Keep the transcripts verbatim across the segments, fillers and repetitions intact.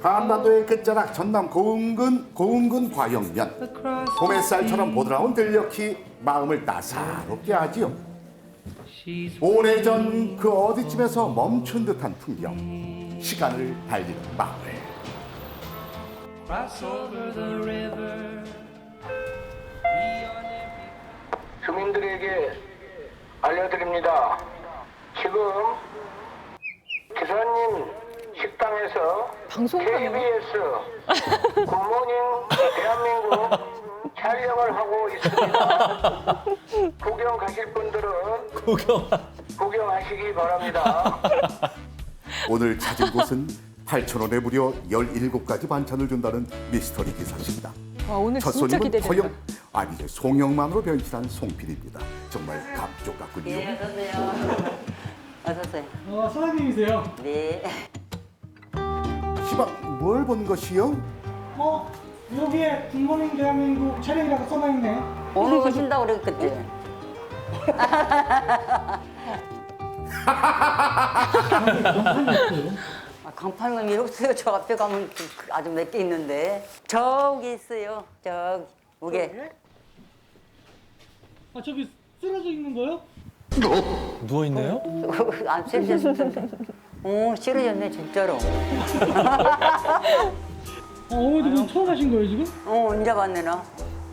한반도의 끝자락 전남 고흥군 고흥군 과영면. 봄햇살처럼 보드라운 들녘이 마음을 따사롭게 하지요. 오래전 그 어디쯤에서 멈춘 듯한 풍경, 시간을 달리는 마을. 주민들에게 알려드립니다. 지금 기사님 식당에서 케이비에스 굿모닝 대한민국 촬영을 하고 있습니다. 구경 가실 분들은 구경. 구경하시기 바랍니다. 오늘 찾은 곳은 팔천 원에 무려 열일곱 가지 반찬을 준다는 미스터리 기사식당. 와, 오늘 첫 진짜 손님은 기대된다. 허영, 아니 이제 송영만으로 변신한 송필입니다. 정말 감쪽 같군요. 네, 어서오세요. 어서오세요. 어, 사장님이세요? 네. 시방 뭘 본 것이요? 어? 여기에 굿모닝 대한민국 촬영이라고 써놔있네. 오늘 오신다고 그랬겠지? 아, 강판은 이렇게 없어요. 저 앞에 가면 아주 몇 개 있는데. 저기 있어요. 저기. 무게. 아, 저기 쓰러져 있는 거요? 누워 있네요? 안 쎄쎄쎄. 오, 싫어졌네, 진짜로. 어, 어머니 그럼 처음 하신 거예요, 지금? 어, 언제 봤네, 나.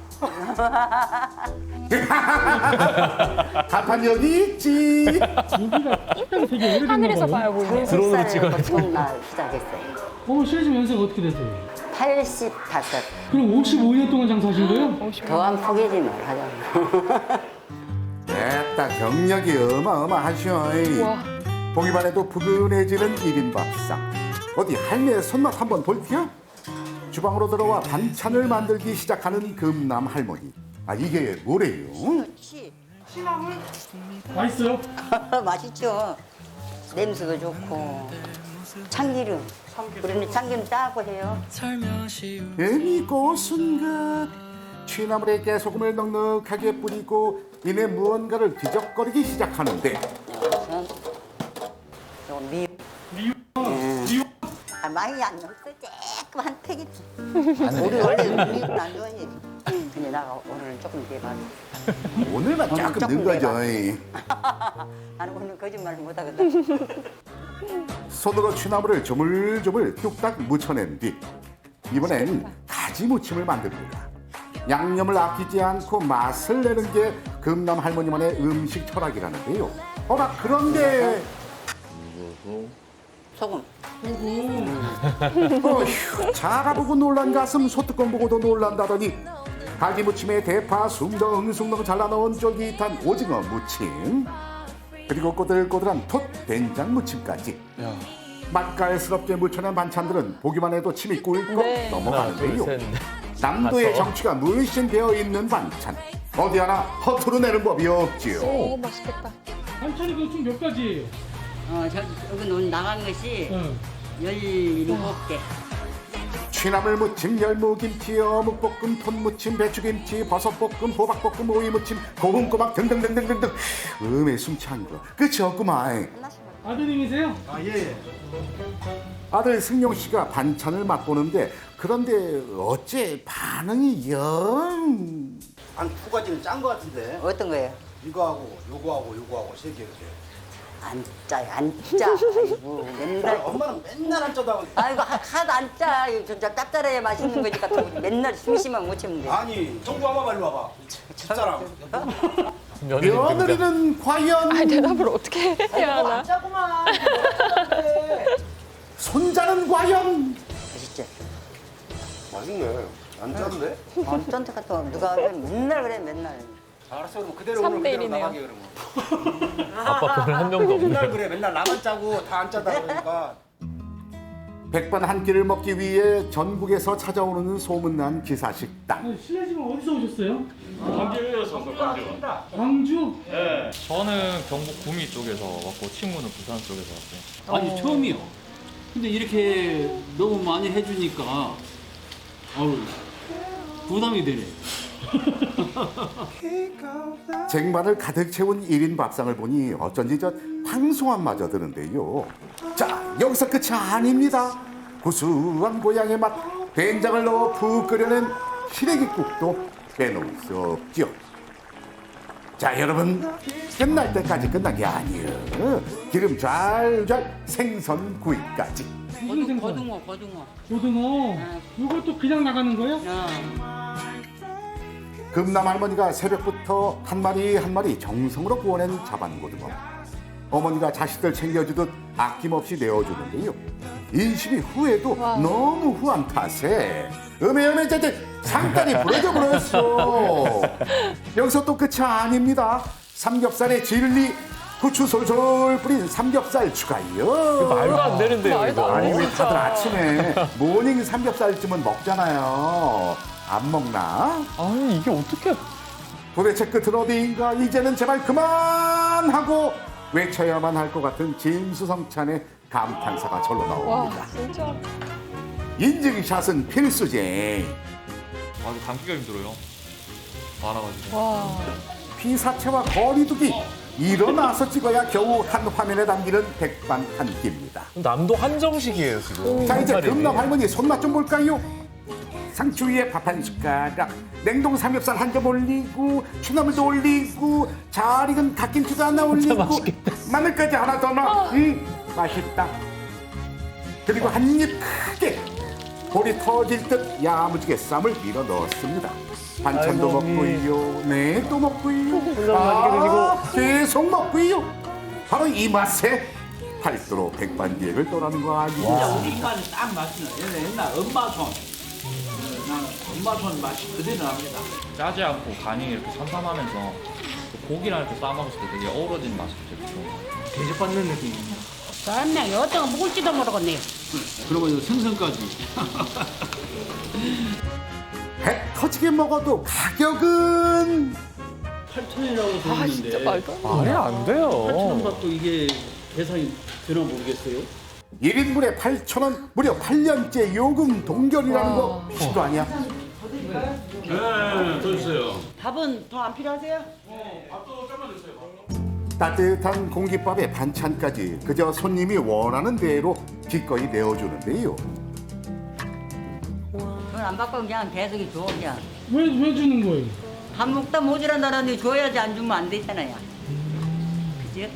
간판 여기 있지. 여기가 식당이 되게 오래됐나 하늘에서 봐요. 봐요, 보이네. 드론으로 찍어야 돼. 처음 나 시작했어요. 어머, 실례지만 연세가 어떻게 되세요? 팔십오. 그럼 오십오 년 동안 장사하신 거예요? 더한 포기지 말하자. 됐다, 경력이 어마어마하셔. 와. 보기만 해도 푸근해지는 일 인 밥상. 어디 할매의 손맛 한번 볼게요. 주방으로 들어와 반찬을 만들기 시작하는 금남 할머니. 아, 이게 뭐래요? 맛있어요? 맛있죠. 냄새도 좋고 참기름. 우리는 참기름 짜고 해요. 괜히 고순 것. 취나물에 깨소금을 넉넉하게 뿌리고 이내 무언가를 뒤적거리기 시작하는데 우선 요거 미. 미워. 음. 아, 많이 안 넣었어. 조금 한 팩이지. 우리 원래 미국 안 좋아해. 근데 나 오늘 조금 대박. 오늘만 조금 조금 넣은 거죠. 나는 오늘 거짓말 못 하거든. 손으로 취나물을 조물조물 뚝딱 묻혀낸 뒤 이번엔 가지 무침을 만듭니다. 양념을 아끼지 않고 맛을 내는 게 금남 할머니만의 음식 철학이라는데요. 어라, 그런데 소금. 어휴, 자라보고 놀란 가슴 소뚜껑 보고도 놀란다더니 가지 무침에 대파 숭덩숭덩 잘라 넣은 쫄깃한 오징어 무침, 그리고 꼬들꼬들한 톳 된장 무침까지 야. 맛깔스럽게 무쳐낸 반찬들은 보기만 해도 침이 꿀꺽 네. 하나, 넘어가는데요. 둘, 셋, 넷. 남도의 다섯. 정취가 물씬 되어 있는 반찬, 어디 하나 허투루 내는 법이 없지요. 오, 맛있겠다. 반찬이 그 총 몇 가지예요? 어, 저, 여기 오늘 나간 것이 응. 열일곱 개. 취나물 무침, 열무김치, 어묵볶음, 톤무침, 배추김치, 버섯볶음, 호박볶음, 오이무침, 고흥꼬막 등등등등등등. 음에 숨찬 거 끝이 없구만. 아드님이세요? 아들 승용 씨가 반찬을 맛보는데, 그런데 어째 반응이 영. 한 두 가지는 짠 거 같은데 어떤 거예요? 이거하고 요거하고 요거하고 세 개 이렇게. 안 짜요, 안 짜. 아이고, 맨날. 엄마는 맨날 안 짜다고. 아이고, 하- 하나도 안 짜. 이거 진짜 짭짤해야 맛있는 거니까 또 맨날 심심하면 못 참는데. 아니 정부 한번 빨리 와봐. 집사람. 며느리 등장. 며느리는 과연 아, 대답을 어떻게 해야 하나? 짜구만. 손자는 과연. 맛있지? 맛있네. 안 짠데? 안 짠데 같은 거 누가 그래? 맨날 그래, 맨날. 알았어 그럼 그대로 삼 오늘 대 그대로 일이네요. 나가게 그러면. 아빠 그걸 한 명도 없네. 맨날 그래 맨날 나만 짜고 다 안 짜다 그러니까. 백반 한 끼를 먹기 위해 전국에서 찾아오는 소문난 기사식당. 아니, 실례지만 어디서 오셨어요? 광주에서 광주. 광주? 저는 경북 구미 쪽에서 왔고 친구는 부산 쪽에서 왔어요. 아니 처음이요. 근데 이렇게 너무 많이 해주니까 아우 부담이 되네. 쟁반을 가득 채운 일 인 밥상을 보니 어쩐지 저 황송함마저 드는데요. 자, 여기서 끝이 아닙니다. 구수한 고향의 맛 된장을 넣어 푹 끓여낸 시래기국도 빼놓을 수 없죠. 자 여러분, 끝날 때까지 끝난 게 아니에요. 기름 잘 생선 구이까지. 무슨 생선? 고등어, 고등어. 고등어. 이것도 그냥 나가는 거예요? 어. 금남 할머니가 새벽부터 한 마리 한 마리 정성으로 구워낸 자반고등어. 어머니가 자식들 챙겨주듯 아낌없이 내어주는데요. 인심이 후에도 너무 후한 탓에 음에 음에 제제 상다리 부러져 버렸어. 여기서 또 끝이 아닙니다. 삼겹살에 진리 후추 솔솔 뿌린 삼겹살 추가요. 말도 안 되는데요, 말도 이거. 안 아니 돼. 왜 다들 아침에 모닝 삼겹살쯤은 먹잖아요. 안 먹나? 아니, 이게 어떻게. 도대체 끝은 어디인가? 이제는 제발 그만하고 외쳐야만 할 것 같은 진수성찬의 감탄사가 절로 와, 나옵니다. 진짜. 인증샷은 필수제. 아, 이거 담기가 힘들어요. 많아가지고. 와. 피사체와 거리두기. 일어나서 찍어야 겨우 한 화면에 담기는 백반한끼입니다. 남도 한정식이에요, 지금. 자 이제 삼겹살이. 금남 할머니 손맛 좀 볼까요? 상추 위에 밥 한 숟가락, 냉동 삼겹살 한 점 올리고, 추나물도 올리고, 잘 익은 갓김치도 하나 올리고, 맛있겠다. 마늘까지 하나 더 넣어. 음, 맛있다. 그리고 한 입 크게 볼이 터질 듯 야무지게 쌈을 밀어 넣었습니다. 반찬도 아이고, 먹고요, 네, 또 먹고요, 혼자 맛있게 아, 계속 먹고요. 바로 이 맛에 팔도로 백반기획을 떠나는 거 아니에요? 우리 입맛이 딱 맞추는 옛날, 옛날 엄마 손. 난 엄마 손 맛이 그대로 납니다. 짜지 않고 간이 이렇게 삼삼하면서 또 고기랑 이렇게 싸먹었을 때 되게 어우러진 맛이 되게 좋아요. 대접받는 느낌입니다. 짠네. 어떤 거 먹을지도 모르겠네. 그리고 이거 생선까지. 배 터지게 먹어도 가격은 팔천이라고 아, 들었는데. 진짜 말도 안 돼. 말이 안 돼요. 팔천값도 이게 계산이 되나 모르겠어요. 일 인분에 팔천 원, 무려 팔 년째 요금 동결이라는 거 미친도 아니야? 네, 더 주세요. 밥은 더 안 필요하세요? 따뜻한 공깃밥에 반찬까지 그저 손님이 원하는 대로 기꺼이 내어주는데요. 돈 안 받고 그냥 계속이 줘 그냥. 왜, 왜 주는 거예요? 밥 먹다 모자란다는데 줘야지 안 주면 안 되잖아요. 그지?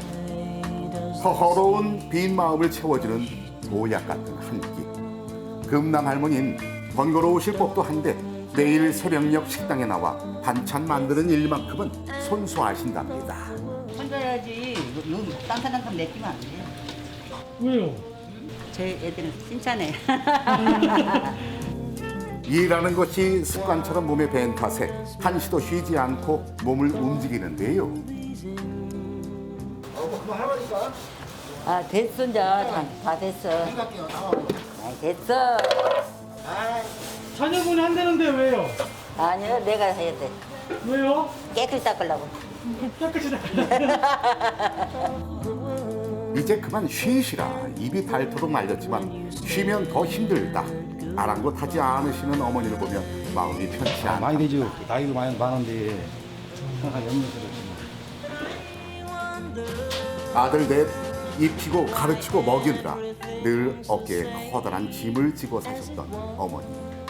허허로운 빈 마음을 채워주는 보약 같은 한 끼. 금남 할머니는 번거로우실 법도 한데 매일 새벽녘 식당에 나와 반찬 만드는 일만큼은 손수하신답니다. 혼자 해야지. 여기 딴 사람한테 맡기면 안 돼요. 왜요? 제 애들은 칭찬해. 일하는 것이 습관처럼 몸에 밴 탓에 한시도 쉬지 않고 몸을 움직이는데요. 아 됐어 이제 다, 다 됐어. 아, 됐어. 자녀분이 한다는데 왜요? 아니요 내가 해야 돼. 왜요? 깨끗이 닦으려고. 깨끗이 다 이제 그만 쉬시라 입이 닳도록 말렸지만 쉬면 더 힘들다. 아랑곳하지 않으시는 어머니를 보면 마음이 편치 않다. 많이 되죠. 나이도 많이 많은데 항상 염려스럽지. 아들 넷 입히고 가르치고 먹이느라 늘 어깨에 커다란 짐을 지고 사셨던 어머니.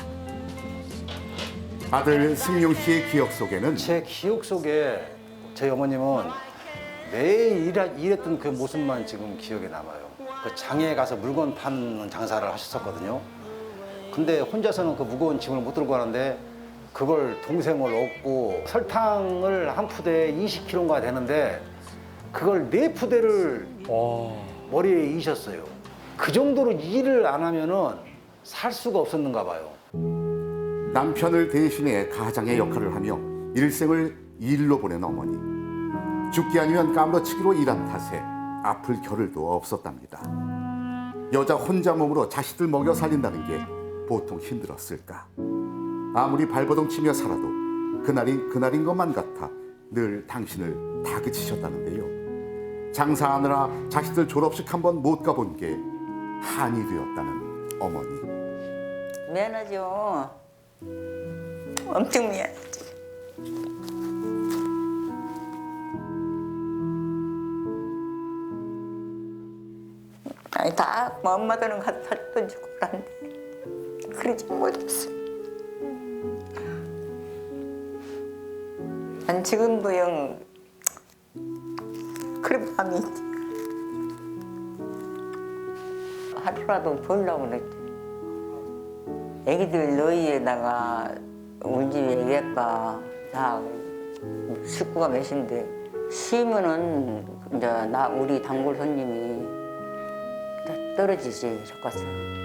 아들 승용 씨의 기억 속에는 제 기억 속에 저희 어머님은 매일 일하, 일했던 그 모습만 지금 기억에 남아요. 그 장에 가서 물건 파는 장사를 하셨었거든요. 근데 혼자서는 그 무거운 짐을 못 들고 가는데 그걸 동생을 얻고 설탕을 한 푸대에 이십 킬로그램가 되는데 그걸 네 푸대를 와. 머리에 이셨어요. 그 정도로 일을 안 하면은 살 수가 없었는가 봐요. 남편을 대신해 가장의 역할을 하며 일생을 일로 보낸 어머니. 죽기 아니면 까무러치기로 일한 탓에 아플 겨를도 없었답니다. 여자 혼자 몸으로 자식들 먹여 살린다는 게 보통 힘들었을까. 아무리 발버둥 치며 살아도 그날이 그날인 것만 같아 늘 당신을 다그치셨다는데요. 장사하느라 자식들 졸업식 한 번 못 가본 게 한이 되었다는 어머니. 미안하죠. 엄청 미안하지. 아니 다 엄마들은 가서 살 던지고 그러는데 그러지 못했어. 난 지금도 영 그런 밤이 있지. 하루라도 보려고 그랬지. 애기들 너희에다가 우리 집 애기가 다 식구가 몇인데 쉬면은 이제 나 우리 단골 손님이 다 떨어지지 저가서.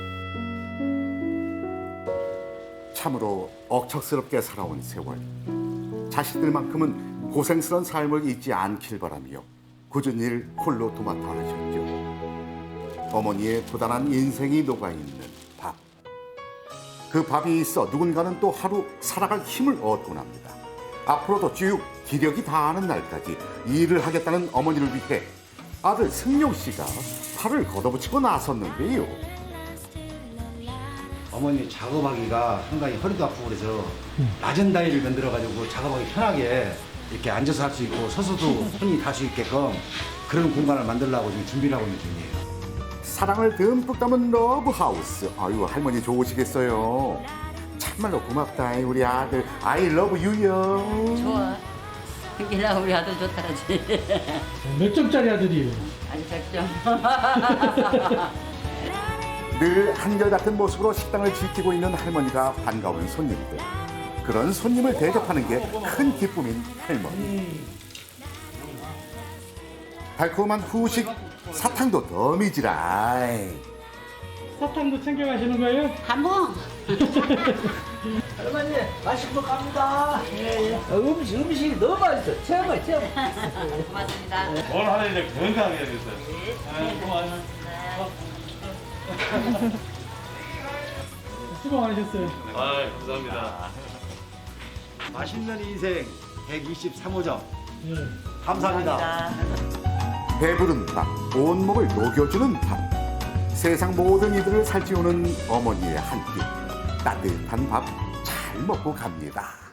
참으로 억척스럽게 살아온 세월. 자식들만큼은 고생스러운 삶을 잊지 않길 바라며 굳은 일 홀로 도맡아 하셨죠. 어머니의 부단한 인생이 녹아있는 밥. 그 밥이 있어 누군가는 또 하루 살아갈 힘을 얻곤 합니다. 앞으로도 쭉 기력이 다하는 날까지 일을 하겠다는 어머니를 위해 아들 승용 씨가 팔을 걷어붙이고 나섰는데요. 어머니 작업하기가 상당히 허리도 아프고 그래서 낮은 다리를 만들어가지고 작업하기 편하게 이렇게 앉아서 할 수 있고 서서도 손이 닿을 수 있게끔 그런 공간을 만들려고 지금 준비를 하고 있는 중이에요. 사랑을 듬뿍 담은 러브하우스. 아유, 할머니 좋으시겠어요. 참말로 고맙다 우리 아들. I love you요. 좋아. 그냥 우리 아들 좋다라지. 몇 점짜리 아들이에요? 아주 백 점. 늘 한결같은 모습으로 식당을 지키고 있는 할머니가 반가운 손님들. 그런 손님을 대접하는 게 큰 기쁨인 할머니. 달콤한 후식 사탕도 덤이지라. 사탕도 챙겨가시는 거예요? 한번. 할머니 맛있는 거 갑니다. 어, 음식 음식이 너무 맛있어. 최고 최고. 고맙습니다. 뭘 하나 이제 건강하게 해야겠어요. 네, 고마워요. 수고 많으셨어요. 아, 감사합니다. 맛있는 인생 백이십삼 호점 예. 감사합니다. 배부른 밥, 온몸을 녹여주는 밥. 세상 모든 이들을 살찌우는 어머니의 한 끼. 따뜻한 밥 잘 먹고 갑니다.